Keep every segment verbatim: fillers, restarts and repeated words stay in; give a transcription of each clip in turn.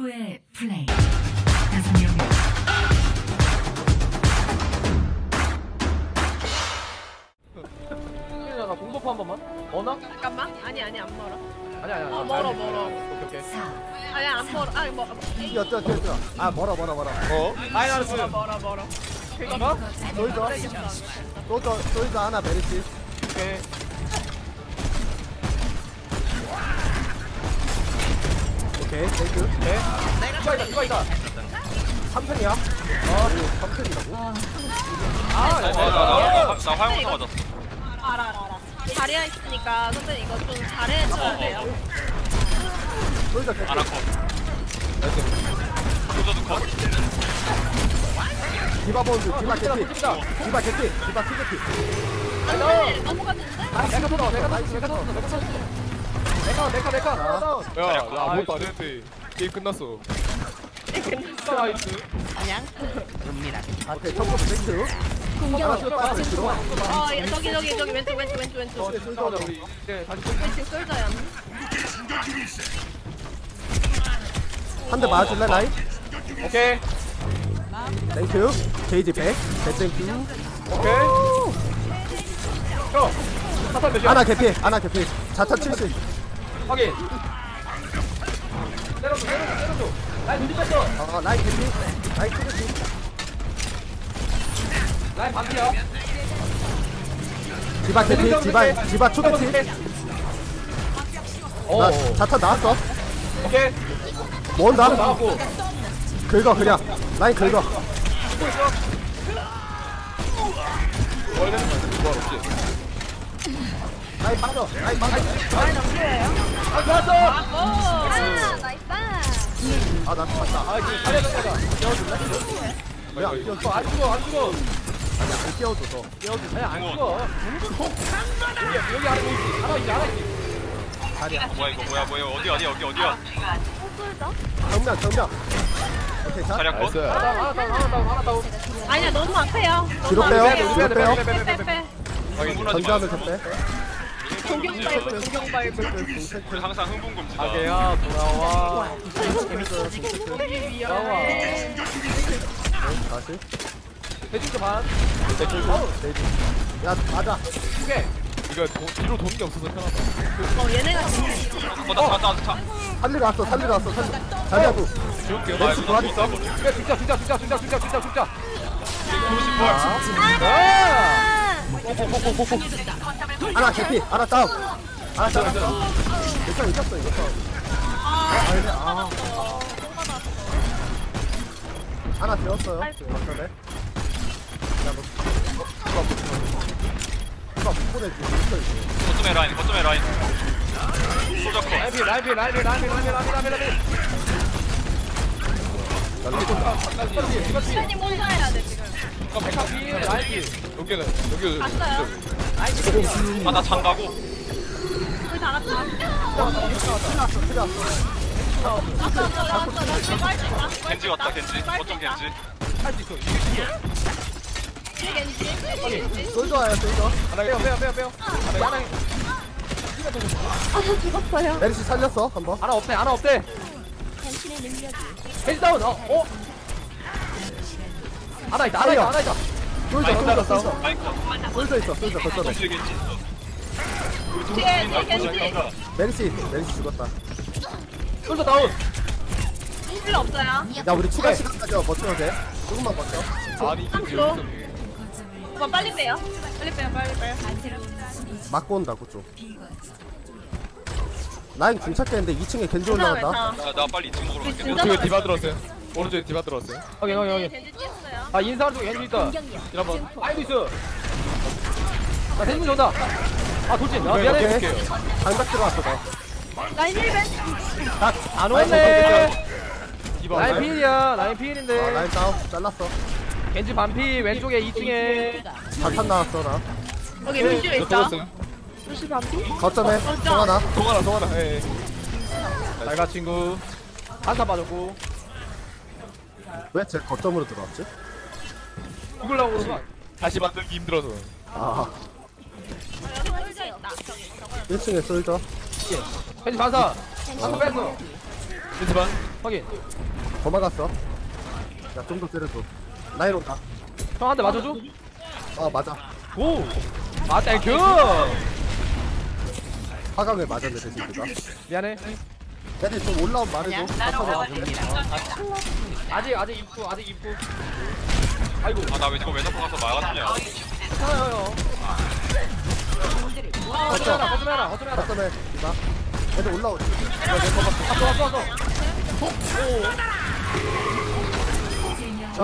최고의 플레이. 다섯 명. 나 공도포 한 번만. 어나? 잠깐만. 아니 아니 안 멀어. 아니 아니. 어 멀어 멀어. 오케이 오케이. 아니 안 멀어. 아니 멀어. 뛰어 뛰어 뛰어 뛰어. 아 멀어 멀어 멀어. 어? 마이너스. 멀어 멀어 멀어. 그니까? 솔져 솔져 솔져 하나 베리시. 오케이. 오케이 땡큐. 오케이. 이거 있다 이거 있다. 삼 편이야. 어 삼 편이라고? 아, 나, 나, 나, 나 화염부터 맞았어. 알아 알아 알아. 자리에 있으니까 선생님 이거 좀 잘해줘야 돼요. 솔져 개피. 아나코. 소저도 컷. 디바 본드 디바 개피. 디바 개피. 디바 투개피. 안돼 넘어갔는데? 아, 내가 터 내가 터 내가 터 내가 터 내가 내가 내가 다운. 야, 나 아무것도 안 했는데 게임 끝났어. 나이스. 그냥. 앞에 첫 번째 땡큐. 공격. 빠져 들어. 어 예, 저기 저기 저기 왼쪽 왼쪽 왼쪽 왼쪽. 솔직하자 우리. 네, 다시 왼쪽 쏠져요. 한 대 맞아줄래 라인? 오케이. 땡큐. 게이지 백. 백 땡큐. 오케이. 형. 사탄 몇이야? 아나 개피. 아나 개피. 자타 칠십. 확인. 때려줘 때려줘 때려줘. 라인 밀렸어. 어 라인 개피. 라인 투개피. 라인 반피야. 디바 개피. 디바 디바 초개피. 어. 나 자타 나왔어. 오케이. 뭔다? 나왔고. 긁어 그냥. 라인 긁어. 원래 되는 거야, 없지? 라인 빠져. 라인 빠져. 라인 없어요? 아 좋았어. 아 나이스. 아나 죽었다. 아 이제 잘해서 내가. 왜안 뛰어줘? 안 죽어 안 죽어. 아니 안 뛰어줘서. 여기 아니 안 죽어. 여기 여기 안에 보이지? 하나 있지 하나 있지. 자리야. 뭐야 이거 뭐야 뭐야 어디 어디 여기 어디야? 정면 정면. 오케이 자. 자리야 컷? 나이스. 하나 다운 하나 다운 하나 다운 하나 다운. 아니야 너무 앞에요. 뒤로 너무 빼요. 앞에요. 뒤로 빼요. 빼빼빼. 흥분하지 마. 전자하면 됐대. 공격 발굴 공격 발굴. 우리 항상 흥분금지다. 가게야 돌아와. 재밌어요. 우리 나와. 위험해. 다시. 대진도 반. 야 맞아. 두 개. 이거 도, 뒤로 도는 게 없어서 편하다. 어 얘네가 진짜. 어나 자자 자. 살리러 왔어. 살리러 왔어. 살리. 자리야도. 지울게요. 아 렉스 이거 도와줘. 있어? 야 진짜 진짜 진짜 진짜 진짜 진짜 진짜. 아. 하나 개피. 하나 다운. 하나 다운. 일단 이겼어 이거. 아니 아. 하나 되었어요. 맞네. 야너 누가 못 누가 못 보내지? 있어 있어. 거점에 라인 거점에 라인. 소저 컷. 라이비 라이비 라이비 라이비 라이비 라이비 라이비 라이비. 시간이 뭔가 해야 돼 지금. 백합이 라이비. 여기는 여기 갔어요. 아나 장가고. 우리 다 갔다. 틀렸어 틀렸어. 왔어 왔어 왔어. 나 지금 할수 있다. 겐지 왔다 겐지. 거점 겐지. 할수 있어. 이길 수 있어. 뒤에 겐지. 뒤에 겐지. 솔져 와요 솔져. 하나 빼요 빼요 빼요 빼요. 하나 아 죽었어요. 메리시 살렸어 한번. 하나 없대 하나 없대. 헬스 다운. 어? 어? 하나 있다 하나 있다 하나 있다. 솔져 솔져 솔져. 라인 컷. 솔져 있어 솔져 거점에. 겐지 겐지. 뒤에 뒤에 겐지. 메리시 메리시 죽었다. 솔저 다운. 필요 없어요. 야 우리 추가 시간까지 버텨도 돼? 조금만 버텨. 아니 이게 삼 초. 오빠 빨리 빼요. 빨리 빼요 빨리 빼요. 맞고 온다고 좀. 라인 궁착했는데 이 층에 겐지 올라간다. 나, 나 빨리 이층 먹으러 갈게. 진짜 오른쪽에 디바 들어왔어요. 오른쪽에 디바 들어왔어요. 확인 확인 확인. 겐지 뛰었어요. 아 인사하는 중 겐지 있다. 한번 아이고 있어. 나 대신 온다. 아 돌진. 아 오케이, 미안해. 오케이. 장작 들어왔어 너. 라인 힐벤. 안 오네. 디바 라인 와요? 필이야. 라인 아, 필인데. 라인 다운 잘랐어. 겐지 반피 왼쪽에 이 층에. 자탄 나왔어 나. 여기 루시오 저 있다. 들어왔어요. 루시 반피? 거점에 송하나. 동하나 동하나. 예. 예. 잘가 친구. 한타 빠졌고. 왜 제 거점으로 들어왔지? 죽으려고 그러는 거. 다시 만들기 힘들어서. 아 여기 솔져 있다. 저기 저거. 일 층에 솔져. 겐지 반사. 한타 뺐어. 겐지반. 확인. 도망갔어. 야, 좀 더 때려줘. 라인 온다. 형한테 맞아줘. 어, 맞아. 오. 아 땡큐. 화강을 맞았네, 대신이가. 미안해. 얘네 좀 올라오면 말해줘. 맞춰서 아직 아직 입구 아직 입구. 아이고. 아 나 왜 저거 왜 자꾸 가서 막아주냐. 괜찮아요. 거짓말하라 거짓말하라 거짓말하라. 맞춰내. 이봐. 얘네 올라오지. 왔어 왔어 왔어. 자, 아,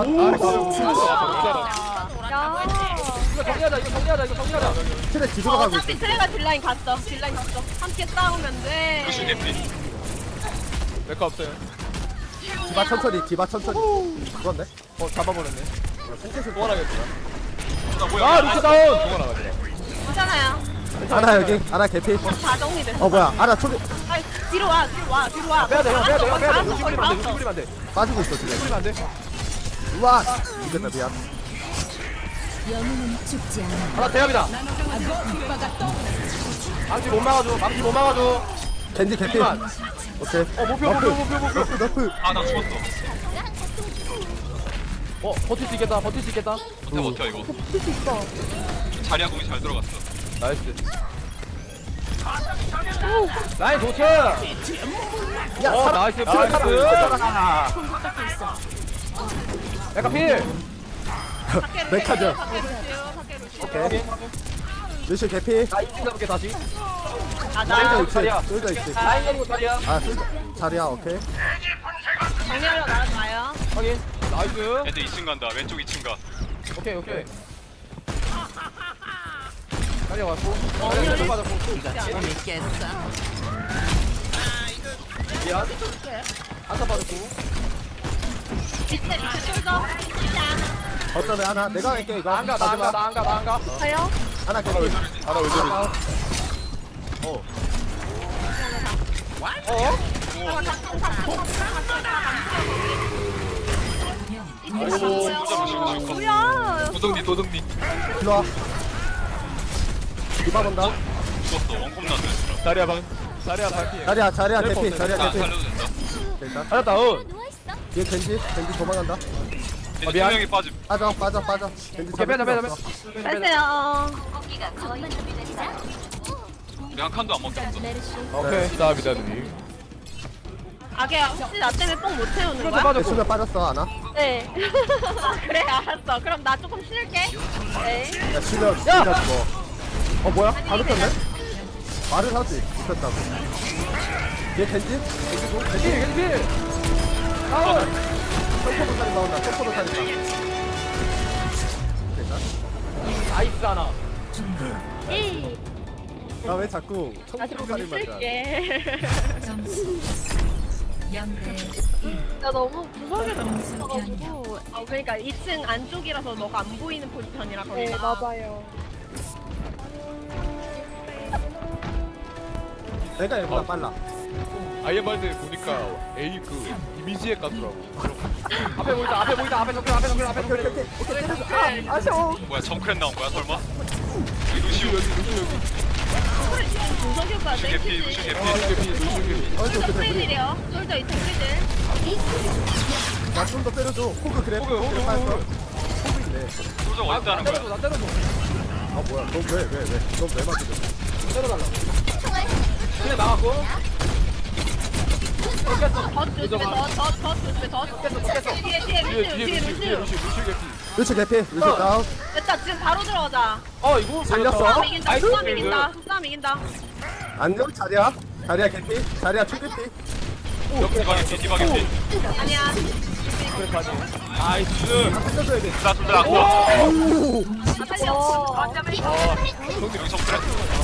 야. 이거 정리하자 이거 정리하자 이거 정리하자. 틀에 뒤돌아 가고 있어. 어차피 트레가 딜라인 갔어. 딜라인 갔어. 함께 싸우면 돼. 루시 개피. 내거 없어요. 디바 천천히, 디바 천천히. 그건데? 어 잡아버렸네. 생체수 도와라겠다. 나 뭐야? 아 루시 다운. 도와라가지고. 괜찮아요. 아나 여기, 아나 개피. 다 정리됐어. 어, 뭐야. 아나 초리 아이, 뒤로 와, 뒤로 와, 뒤로 와. 빼야 돼 형, 빼야 돼 형, 빼야 돼. 거의 루시 다 뿌리면 안 돼. 왔어, 루시 뿌리면 안 돼. 빠지고 있어, 지금. 뿌리면 안 돼. 우와! 이겼다, 미안. 영웅은 죽지 않아. 하나 대합이다. 망치 못 막아줘. 망치 못 막아줘. 겐지 개피. 잠시만. 오케이. 어 목표 목표 목표 목표. 너프, 너프. 아 나 죽었어. 어 버틸 수 있겠다. 버틸 수 있겠다. 버텨 버텨 이거. 자리야 공이 잘 들어갔어. 나이스. 라인 도착. 야, 어 살아. 나이스. 살아, 나이스. 살아. 약간 필. 밖에 메카죠. 밖에 루시오, 밖에 루시오. 오케이. 루시 개피. 나 이층 가볼게 다시. 아, 솔져 나 있지. 자리야. 솔져 있지. 라인 내리고 자리야. 아, 솔져. 자리야, 오케이. 정리하려 나가지 마요. 확인. 나이스. 애들 이 층 간다. 왼쪽 이 층 가. 오케이 오케이. 자리야 왔고. 어 왼쪽 맞았고. 미안. 한타 빠졌고. 밑에 밑에 쏠져. 어쩌네, 하나. 내가 할게, 이거. 나안가 나안가 나안가 나안가. 가요? 하나 개피. 알아 왜 저리? 어? 뭐야? 도둑니 도둑니. 일로 와. 디바 본다. 죽었어. 원콤 났네. 자리야 방. 자리야 방피. 자리야, 자리야, 셀프 개피. 없네. 자리야, 나 개피. 살려도 된다. 일단. 잘했다 운. 뒤에 겐지. 겐지 도망간다. 이제 두 미안. 명이 빠짐. 빠져, 빠져, 빠져. 겐지 오케이 빼자 빼자 빼자. 빼세요. 우리 한 칸도 안 먹혔어. 오케이. 감사합니다 누님. 아게 혹시 나 때문에 뽕 못 채우는 이것도 거야? 빠졌고. 수면 빠졌어, 하나. 네. 그래 알았어. 그럼 나 조금 쉴게. 네. 야, 치면 진짜 죽어. 어, 뭐야? 다 눕혔네? 말을 하지. 눕혔다고. 얘 겐지? 겐지고? 필 겐지? 겐지 필. 다운. 점퍼도 살이 나온다. 점퍼도 살이 나. 됐다. 나이스 하나. 나왜 자꾸 나 청포도 조금 살이 맞아? 쉴게. 점수 영대 나 너무 무섭게 들어가지고. 아 그러니까 이 층 안쪽이라서 너가 안 보이는 포지션이라 거기가. 네 맞아요. 내가 얘보다 빨라. 아이엠발드 보니까 A 그 이미지에 깠더라고. 앞에 보이다 앞에 보이다 앞에 정글 앞에 정글 앞에 오케이, 정글. 오케이, 오케이. 오케이. 아, 아쉬워. 뭐야 정크렛 나온 거야 설마? 여기 루시오 여기 루시 여기. 준석이 오빠 루시 개피 땡큐지. 루시 개피. 루시 개피 루시 개피. 어이, 좀 그래, 그래. 프리딜이요. 솔저 이 탱크들. 나좀 더 때려줘. 호그 그래. 호그, 호그, 그래, 빠졌어. 호그. 호그이네. 소정 나 어딨다는 때려줘 거야? 나 때려줘. 아, 뭐야. 너 왜, 왜, 왜? 너 왜 맞으려? 때려달라. 그래 나갔고. 더 조심해. 더더더 조심해. 더 조심해. 뒤에 뒤에 뒤에 루시오. 뒤에 뒤에 루시 뒤에 루시오. 루시 루시 개피. 루시 개피. 루시 다운. 됐다. 지금 바로 들어가자. 어 이거 살렸어? 싸움 이긴다. 나이스. 싸움 이긴다. 싸움 이긴다. 안녕, 자리야. 자리야 개피. 자리야 초개피. 디바 개피 디바 개피. 아니야. 나이스. 다 살려줘야 돼. 나 둘다 아까. 오! 다 살려. 여기 정크렛.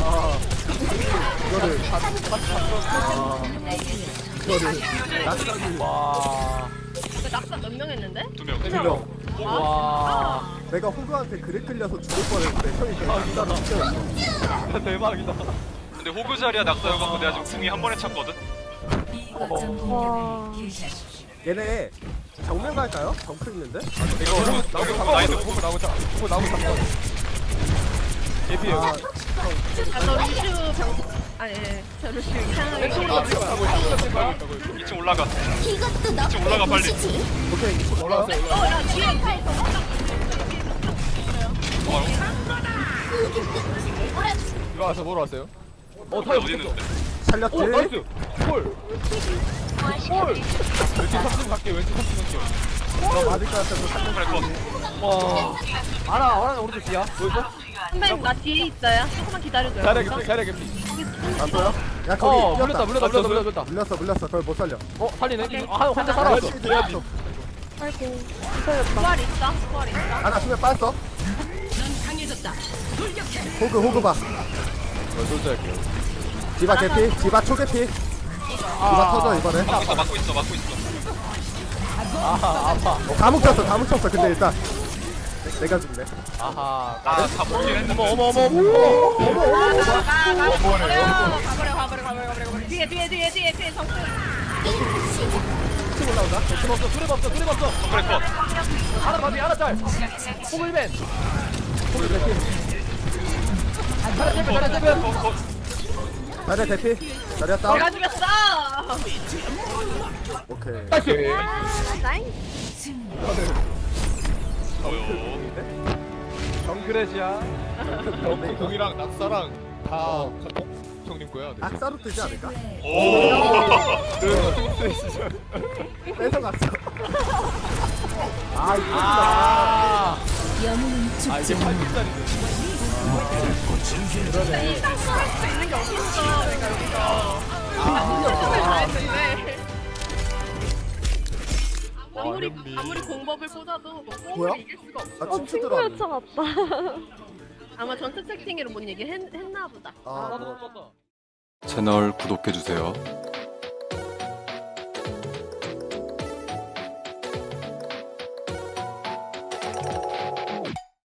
이거를. 아, 이거를. 낙사기. 와. 그 낙사 몇 명 했는데? 두 명. 명. 와. 내가 호그한테 그래 끌려서 죽을 뻔했는데 형이 그냥 낙사를 대박이다. 근데 호그 자리야 낙사여갖고 내가 지금 궁이 한 번에 찼거든. B 거점 공격을 개시하십시오. 얘네 정면 갈까요? 정크 있는데? 이거 여기 호그 나이스. 호구 나오고 자 호구 나오고 잡고. 개피 아, 여기. 아, 너 루슈 병 아니 예. 저를 지금 이상하게 왼쪽으로 가고 있어. 가고 있어. 가고 있어. 이 층 올라가. 이것도 이 층 올라가 빨리. 오케이 올라왔어요. 올라왔어요. 어야 뒤에 차 있어. 들어와서 뭐로 왔어요? 어 어디 타요. 어디 있는데? 살렸지? 오 나이스. 볼. 볼. 왼쪽 삼층 갈게. 왼쪽 삼층 갈게. 너 맞을 것 같아서 살렸지. 그래 컷. 와. 알아 알아 오른쪽 뒤야. 보이죠? 선배님 나 뒤에 있어요. 조금만 기다려줘요. 잘해 개피 잘해 개피. 안 보여? 야 거기 어 뛰었다. 물렸다 물렸다 물렸다 물렸다. 물렸어 물렸어 그걸 못 살려. 어 살리네. 아 혼자 살아왔어. 열심히 뛰어야지. 아이고 부활 있어? 부활 있어? 하나 수면 빠졌어. 호그 호그 봐. 어 솔직할게요. 디바 개피 디바 초개피. 디바 터져 이번에. 막고 있어 막고 있어 막고 있어. 아하 아파. 어, 다 뭉쳤어 다 뭉쳤어 근데 일단 내가 죽네. 아하. 아다 먹긴 했는데. 어머 어머 어머 어머. 가버려 가버려 가버려 가버려 가버려 뒤에 뒤에 뒤에 뒤에 뒤에 정수 층 올라온다. 층 없어. 수레 없어. 수레 없어. 그래 컷. 하나 바디 하나 짤. 호글맨. 호글맨. 하나 짤. 하나 짤. 컷 컷. 자리야 대피. 자리야 다운. 내가 죽였어 오케이. 나이스. 아 나이 뭐요? 정크렛이야. 그 공이랑 낙사랑 다 어. 형님 거야. 네. 악사로 뜨지 않을까? 오. 뺏어갔어. 아 이거 아. 영웅은 죽지 아 이게 팔십 살이네. 이 상상할 수 있는 게 어딨어 그러니까 여기서 아 잘했는데 아무리 아무리 공법을 꽂아도 뭐 뭐야? 뽕을 이길 수가 없어 아 춤추 들어왔네. 아마 전체 채팅으로 뭔 얘기 했, 했나 보다 아 뭐. 떴다. 채널 구독해주세요.